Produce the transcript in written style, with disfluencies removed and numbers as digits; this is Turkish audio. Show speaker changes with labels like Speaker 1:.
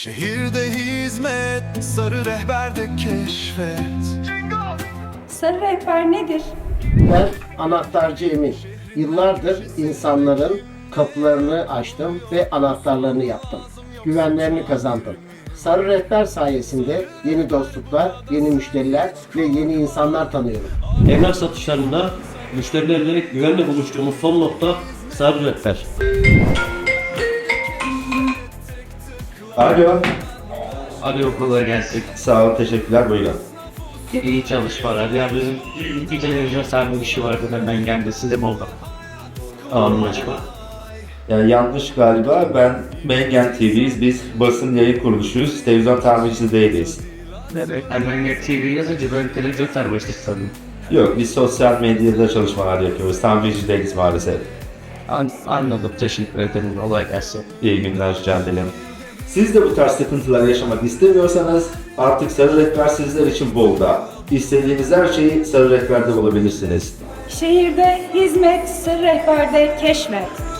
Speaker 1: Şehirde hizmet, sarı rehberde keşfet.
Speaker 2: Sarı rehber nedir?
Speaker 3: Ben anahtarcı Emir. Yıllardır insanların kapılarını açtım ve anahtarlarını yaptım. Güvenlerini kazandım. Sarı rehber sayesinde yeni dostluklar, yeni müşteriler ve yeni insanlar tanıyorum.
Speaker 4: Emlak satışlarında müşterilerle güvenle buluştuğumuz son nokta Sarı Rehber.
Speaker 5: Alo.
Speaker 6: Hadi okula gelsin.
Speaker 5: Sağ olun, teşekkürler. Buyurun.
Speaker 6: İyi çalışmalar. Ya bizim iki televizyon sahibi bir şey vardı da ben geldi size mi oldu? Anlaşıldı.
Speaker 5: Yani yanlış galiba. Ben Mengen TV'yiz. Biz basın yayın kuruluşuyuz. Televizyon tamircisi değiliz.
Speaker 6: Evet. Ben TV yazınca böyle televizyon sahibi sanırım.
Speaker 5: Yok, biz sosyal medyada çalışmalar yapıyoruz. Tamirci değiliz maalesef.
Speaker 6: Anladım. Teşekkür ederim. Kolay gelsin.
Speaker 5: İyi günler, rica ederim. Siz de bu tarz sıkıntılar yaşamak istemiyorsanız artık Sarı Rehber sizler için Bolu'da. İstediğiniz her şeyi Sarı Rehber'de bulabilirsiniz.
Speaker 2: Şehirde hizmet, sarı rehberde keşfet.